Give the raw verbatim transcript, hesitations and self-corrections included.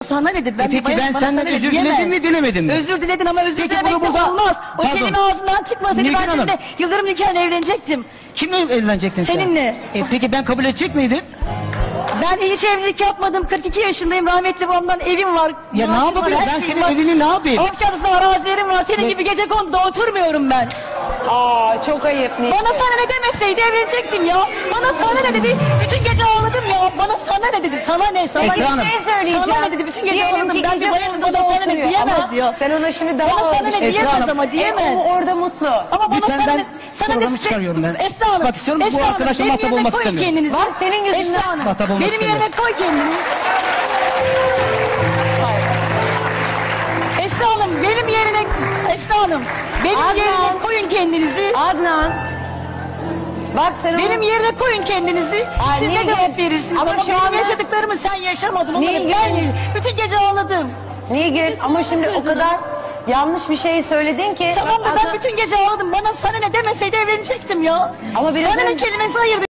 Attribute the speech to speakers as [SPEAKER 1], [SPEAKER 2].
[SPEAKER 1] Sana ne dedi? Ben
[SPEAKER 2] E peki
[SPEAKER 1] bayan-
[SPEAKER 2] ben
[SPEAKER 1] bana
[SPEAKER 2] senden
[SPEAKER 1] sana ne
[SPEAKER 2] özür
[SPEAKER 1] diyemez.
[SPEAKER 2] diledim mi dilemedim mi?
[SPEAKER 1] Özür diledin ama özür
[SPEAKER 2] Peki
[SPEAKER 1] dilemek
[SPEAKER 2] bunu
[SPEAKER 1] de
[SPEAKER 2] burada-
[SPEAKER 1] olmaz. O
[SPEAKER 2] Pardon.
[SPEAKER 1] kelime ağzından çıkmasaydı
[SPEAKER 2] Nilgün
[SPEAKER 1] ben
[SPEAKER 2] Hanım.
[SPEAKER 1] seninle Yıldırım nikahına evlenecektim.
[SPEAKER 2] Kimle evlenecektin sen?
[SPEAKER 1] Seninle.
[SPEAKER 2] E peki ben kabul edecek miydim?
[SPEAKER 1] Ben hiç evlilik yapmadım. kırk iki yaşındayım. Rahmetli babamdan evim var.
[SPEAKER 2] Ya ne
[SPEAKER 1] maaşım var,
[SPEAKER 2] yapabilirim?
[SPEAKER 1] her
[SPEAKER 2] Ben
[SPEAKER 1] şeyim
[SPEAKER 2] senin
[SPEAKER 1] var.
[SPEAKER 2] evini ne yapayım?
[SPEAKER 1] Avcadısı'nda arazilerim var. Senin
[SPEAKER 2] Ne-
[SPEAKER 1] gibi gecekonduda oturmuyorum ben.
[SPEAKER 3] Aa çok ayıp Nilgün.
[SPEAKER 1] Bana sana ne demeseydi evlenecektim ya. Bana sana ne dedi? Bütün gece ağladım ya. Bana sana ne dedi? Sana ne? Sana
[SPEAKER 2] Esra
[SPEAKER 1] ne?
[SPEAKER 2] Hanım.
[SPEAKER 3] Bir şey söyleyeceğim.
[SPEAKER 1] Sana ne dedi? Bütün gece
[SPEAKER 3] Diyelim
[SPEAKER 1] ağladım.
[SPEAKER 3] ki
[SPEAKER 1] Bence
[SPEAKER 3] gece
[SPEAKER 1] bayan
[SPEAKER 3] konuda
[SPEAKER 1] bana sana ne
[SPEAKER 3] oturuyor
[SPEAKER 1] diyemez
[SPEAKER 3] ama
[SPEAKER 1] ya.
[SPEAKER 3] sen ona şimdi daha
[SPEAKER 1] Bana sana
[SPEAKER 3] ağır bir
[SPEAKER 1] ne
[SPEAKER 3] şey-
[SPEAKER 2] Esra
[SPEAKER 1] diyemez
[SPEAKER 2] Hanım.
[SPEAKER 1] ama diyemez.
[SPEAKER 3] E, o orada mutlu.
[SPEAKER 1] Ama bana
[SPEAKER 2] Lütfen
[SPEAKER 1] sana
[SPEAKER 2] ben
[SPEAKER 1] ne? Sana
[SPEAKER 2] programı
[SPEAKER 1] ne-
[SPEAKER 2] çıkarıyorum ben.
[SPEAKER 1] Esra Hanım.
[SPEAKER 2] Çıkmak istiyorum, bu
[SPEAKER 1] Esra Hanım,
[SPEAKER 2] arkadaşla
[SPEAKER 1] benim
[SPEAKER 2] muhatap
[SPEAKER 1] yerine
[SPEAKER 2] olmak
[SPEAKER 1] koyun
[SPEAKER 2] istemiyorum.
[SPEAKER 1] kendinizi.
[SPEAKER 3] Var, senin yüzünden
[SPEAKER 1] Esra Hanım.
[SPEAKER 2] muhatap olmak
[SPEAKER 1] Benim yerine
[SPEAKER 2] istemiyorum.
[SPEAKER 1] koy kendini. Esra Hanım benim yerine Esra Hanım benim
[SPEAKER 3] Adnan.
[SPEAKER 1] yerine koyun kendinizi.
[SPEAKER 3] Adnan. Bak sen
[SPEAKER 1] Benim
[SPEAKER 3] onu...
[SPEAKER 1] yerine koyun kendinizi.
[SPEAKER 3] Ay,
[SPEAKER 1] Siz ne
[SPEAKER 3] Nilgün.
[SPEAKER 1] cevap verirsiniz?
[SPEAKER 3] Ama
[SPEAKER 1] Ama,
[SPEAKER 3] şu
[SPEAKER 1] benim
[SPEAKER 3] anda-
[SPEAKER 1] yaşadıklarımı sen yaşamadın. Onları
[SPEAKER 3] Nilgün.
[SPEAKER 1] ben yaşadım. Bütün gece ağladım.
[SPEAKER 3] Nilgün ama şimdi o kadar yanlış bir şey söyledin ki.
[SPEAKER 1] Tamam da
[SPEAKER 3] Bak,
[SPEAKER 1] ben bütün gece ağladım. Bana sana ne demeseydi evlenecektim ya.
[SPEAKER 3] Ama biraz
[SPEAKER 1] sana ne
[SPEAKER 3] önce-
[SPEAKER 1] kelimesi ayırdı.